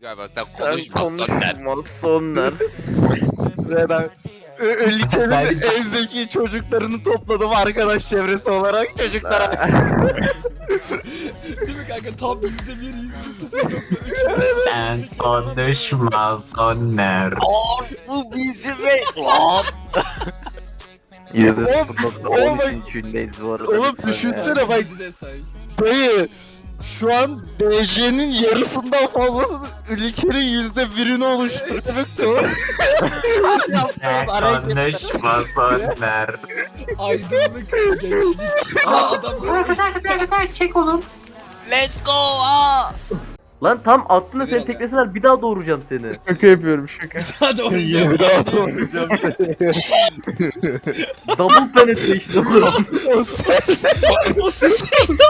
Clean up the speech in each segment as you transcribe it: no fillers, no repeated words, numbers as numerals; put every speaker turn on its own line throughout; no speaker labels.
Galiba sen
Sen
konuşmazsan der.
konuşmazsınlar.
Ve ben ülkenin en zeki çocuklarını topladım arkadaş çevresi olarak çocuklara.
Değil mi kanka? Tam %1, %0.3.
Sen konuşmazsınlar.
Bu bizim lan.
%0.13 içindeyiz bu arada.
Oğlum düşünsene bak
Bizi de say.
dayı. Şu an DC'nin yarısından fazlası ülkenin %1'ini oluşturuyor.
Sen konuşmazsınlar.
Aydınlık, gençlik. Adamlar.
Çek oğlum.
Let's go aa.
Lan tam aslında seni tekleseler bir daha doğuracağım seni.
Şaka yapıyorum şaka.
Hadi oynayacağım.
Bir daha doğrayacağım seni.
Double penetration oğlum.
O ses.
O ses.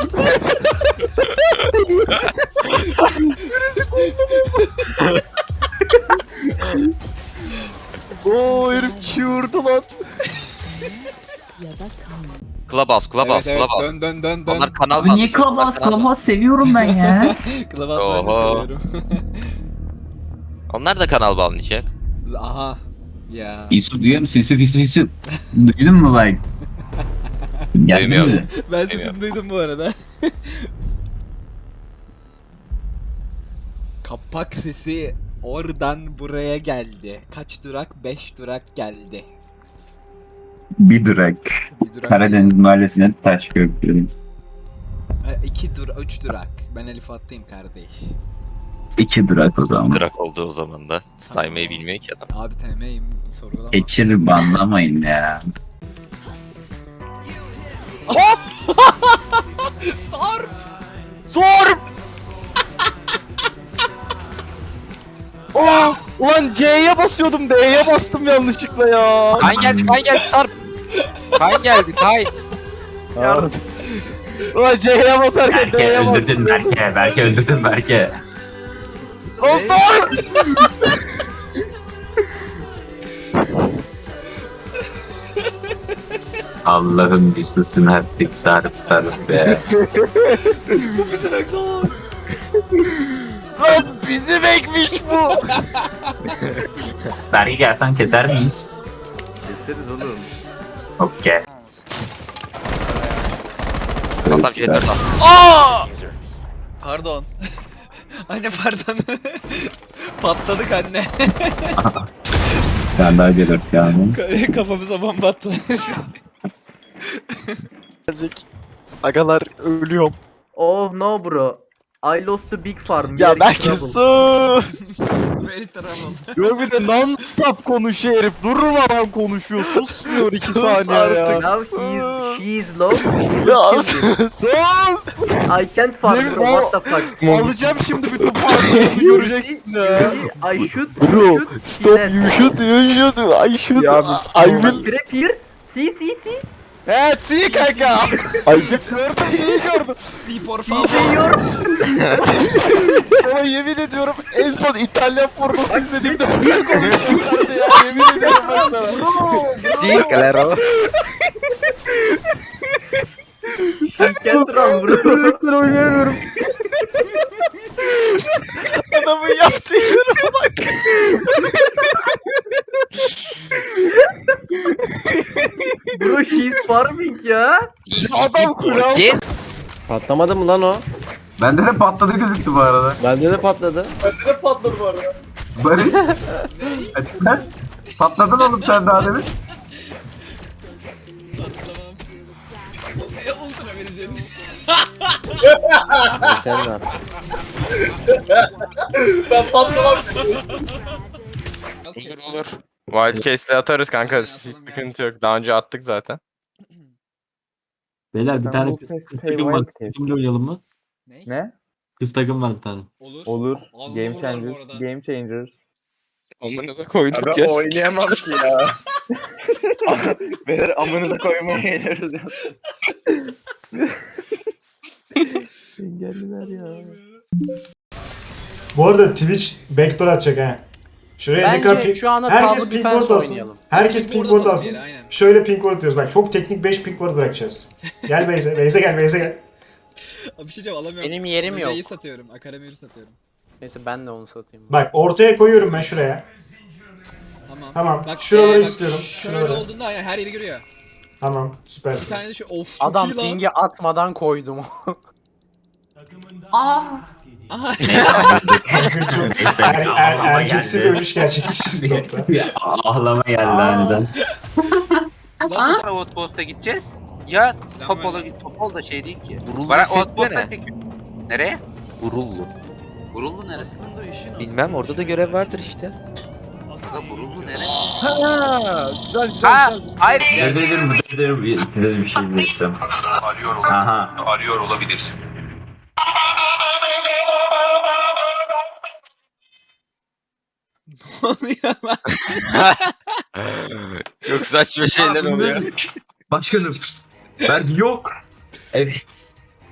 Oo herif çığırdı lan.
Clubhouse, Clubhouse,
Evet,
Clubhouse.
dön.
Onlar kanal
Abi niye Clubhouse
seviyorum ben ya.
Kılavuz ben de
Oho.
seviyorum.
Onlar da kanal bağlayacak.
Aha. Ya.
Yusuf duyuyor musun? Yusuf. Duydun mu bak?
Duymuyorum.
Ben sesini duydum bu arada. Kapak sesi oradan buraya geldi. Kaç durak? 5 durak geldi.
Bir durak.
Bir durak
Karadeniz mahallesine taş köprü.
2 durak, 3 durak. Ben Elif attayım kardeş.
2 durak o zaman.
Drak olduğu zaman da saymayı bilmiyor ki adam.
Abi TM'yim sorgulama.
Geçir banlamayın ya.
Sarp!
Sor! Oh! Ulan C'ye basıyordum D'ye bastım yanlışlıkla ya.
Kayn geldi Sarp. Kayn geldi Kayn.
Ulan C'ye basarken
Berke
D'ye
öldürdün
bastım.
Berke. Berke öldürdün Berke.
Lan sor!
Allah'ım yüzlüsün artık sarıp sarıp be.
Bu bizi bekliyor.
Lan bizim ekmiş bu.
Berke gelsen keser miyiz?
Keseriz oğlum.
Okey.
Adam jet at.
Pardon. Anne pardon. Patladık anne.
Sen daha gelir yani.
Kafamıza bomba attılar.
Gelecek. Agalar ölüyorum.
Oh no bro. I lost the big farm.
Ya
Very
belki
trouble.
sus.
Very trouble.
Yok bir de non-stop konuşuyor herif. Durmadan konuşuyor. Susmuyor 2 saniye ya.
Now she is low.
Ya sus.
I can't farm
Yemin-
bro. What the fuck?
Alacağım şimdi bütün partiyi göreceksin ya.
I should.
Bro,
should,
stop,
she
you should, I should,
Ya
I will.
Trap here. See.
He, see kanka. Ay gördüm, iyi gördüm.
Si por
See
favor.
diyor.
Sana yemin ediyorum en son İtalyan pornosu izlediğimde böyle konuşuyorlardı ya. Yemin ediyorum ben sana.
Sí, claro.
I can't run bro.
Ben oynayamıyorum. Adamın yaptığı yoruma bak.
Bro she is farming ya.
Adam kural.
Gel.
Patlamadı mı lan o?
Bende de patladı gözüktü bu arada.
Bende de patladı.
Ne patladı bu arada?
Barış. Açıklar. Patladın oğlum sen daha demin.
Patlamam. Ultra vereceğim.
Sen ne yaptın?
Ben patlamam.
Olur. Wildcase'le atarız kanka. Hiç sıkıntı yok. Daha önce attık zaten.
Beyler bir tane kız takım var. Kız takımla oynayalım mı?
Ne?
Kız takım var bir tane.
Olur. Ağzınıza vururlar bu arada.
Game Changers.
Amınıza koyduk ya.
oynayamam ki ya. Beyler amınıza koymaya geliyoruz ya. Engelliler ya.
Bu arada Twitch backdoor atacak ha. Şuraya ne kadar
Bence şu anda
herkes
Tower
ping
Defense
ward alsın.
oynayalım.
Herkes ping ward alsın.
Diğeri, aynen.
Şöyle ping ward atıyoruz. Bak çok teknik 5 ping ward bırakacağız. Gel Beyze. Beyze gel.
Abi bir şey diyeceğim alamıyorum.
Benim yerim yok.
Roje'yi satıyorum. Akaramir'i satıyorum.
Neyse ben de onu satayım.
Bak ortaya koyuyorum ben şuraya.
Tamam.
Tamam.
Bak,
Şuraları
bak,
istiyorum.
Şöyle
Şuraları.
olduğunda aynen her yeri görüyor.
Tamam.
Bir tane de
Süpersiniz.
şu of çok
Adam
iyi lan.
pingi atmadan koydum.
Aa,
Aha.
Çok erkeksi bir ölüş gerçekleşti topta.
Ağlama geldi aniden.
Lan tut-
Outpost'a gideceğiz. Ya
Topola
Topol da şey değil ki.
Vurullu
Bana
set
Outpost'a
ne?
Nereye?
Vurullu.
Vurullu neresi?
Bilmem orada da görev vardır işte.
Aslında Vurullu neresi?
Ha, güzel güzel
Ha,
güzel.
hayır.
Dedim size bir şey diyeceğim.
Arıyor olabilirsin.
Ne oluyor lan?
Çok saçma şeyler oluyor.
Başkanım. Vergi yok. Evet.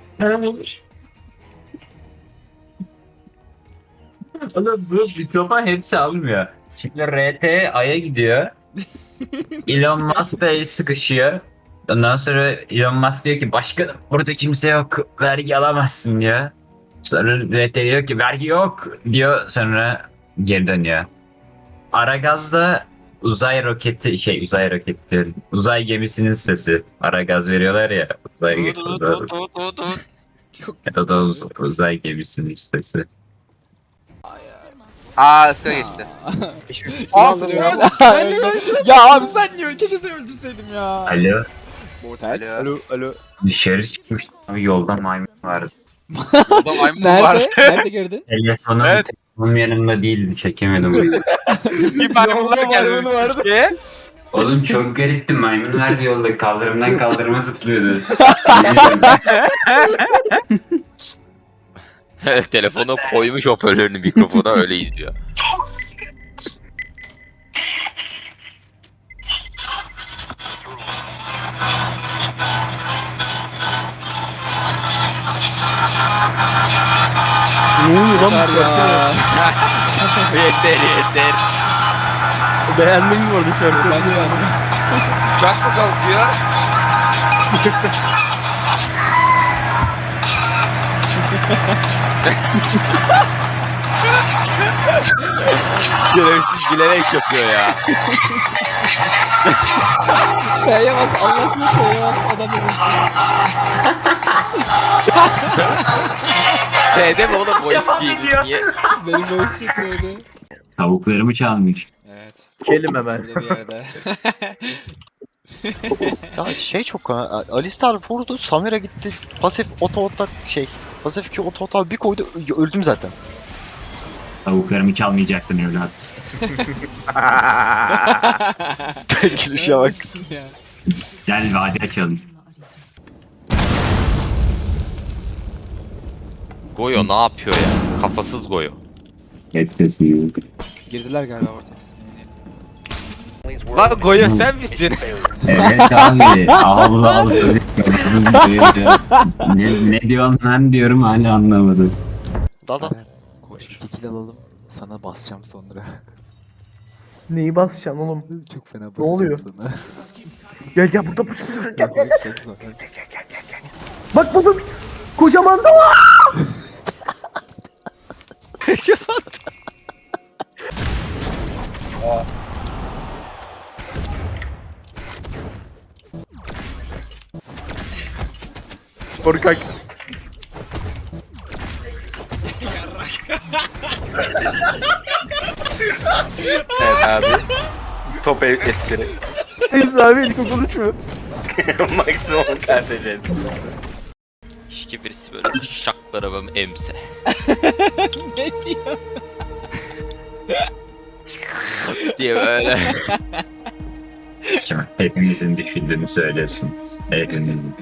Oğlum bu mikrofon hepsi almıyor. Şimdi RT Ay'a gidiyor. Elon Musk da el sıkışıyor. Ondan sonra Elon Musk diyor ki başkanım burada kimse yok. Vergi alamazsın diyor. Sonra RT diyor ki vergi yok diyor. Sonra geri dönüyor. Aragaz'da uzay roketi diyorum. Uzay gemisinin sesi. Aragaz veriyorlar ya. Uzay geçiyorlar.
Çok
Ya da uzay gemisinin sesi.
Aa ıska geçti.
Nasıl öldü? Ya abi sen niye öldün? Keşke seni öldürseydim ya.
Alo.
Mortal.
Alo.
Dışarı çıkmış. Abi yolda maymun vardı.
Burada maymun var.
Nerede? Nerede gördün?
Telefonum yanımda değildi. Çekemedim.
Bir maymunlar gelmiş.
vardı.
Oğlum çok garipti. Maymunlar da yolda kaldırımdan kaldırıma zıplıyordu.
Telefonu koymuş hoparlörünü mikrofona öyle izliyor.
Yeter ya.
Yeter.
Beğendin mi orada şarkıyı?
Ben de beğendim.
Uçak mı kalkıyor? Şerefsiz gülerek yapıyor ya.
T'ye bas. Allah aşkına T'ye bas. Adam da bilsin.
T'de mi oğlum bu eskiydiniz niye?
Benim böyle şık öyle.
Tavuklarımı çalmış.
Evet.
Kelim hemen.
Şurada bir yerde.
Ya şey çok Alistar vurdu, Samira gitti. Pasif Pasif 2 oto bir koydu, öldüm zaten.
Tavuklarımı çalmayacaktın evlat.
Girişe bak.
Neredesin ya?
Gel vadi açalım.
Goyo ne yapıyor ya? Kafasız Goyo.
Hepsi yok.
Girdiler galiba ortaya.
Lan Goyo sen misin?
Evet abi. Allah ne diyorsun lan diyorum hala anlamadım.
Dada.
Koş bir tekil alalım. Sana basacağım sonra.
Neyi basacaksın oğlum?
Çok fena
Ne oluyor?
sana.
Gel burada gel.
Çok
Bak baba kocaman da var. Korkak.
Evet abi. Top espri.
Neyse abi ilk konuşmuyor.
Maksimum KTC.
Şiki birisi böyle şaklara ben emse.
Ne diyor?
diye böyle.
Şimdi hepimizin düşündüğünü söylüyorsun. Hepimizin.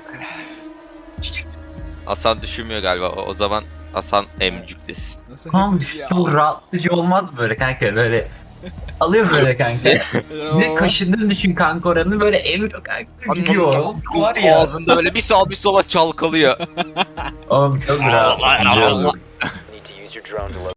Hasan düşünmüyor galiba. O zaman Hasan emcüklesin.
Nasıl
Kanka
hepimiz ya?
çok rahatlıcı olmaz mı böyle kanka böyle alıyor böyle kanka. Ne kaşındığını düşün kanka oranı böyle emiyor kanka gidiyor. Var ya.
Ağzında böyle bir sağa bir sola çalkalıyor.
Oğlum çok rahatlıcı olur.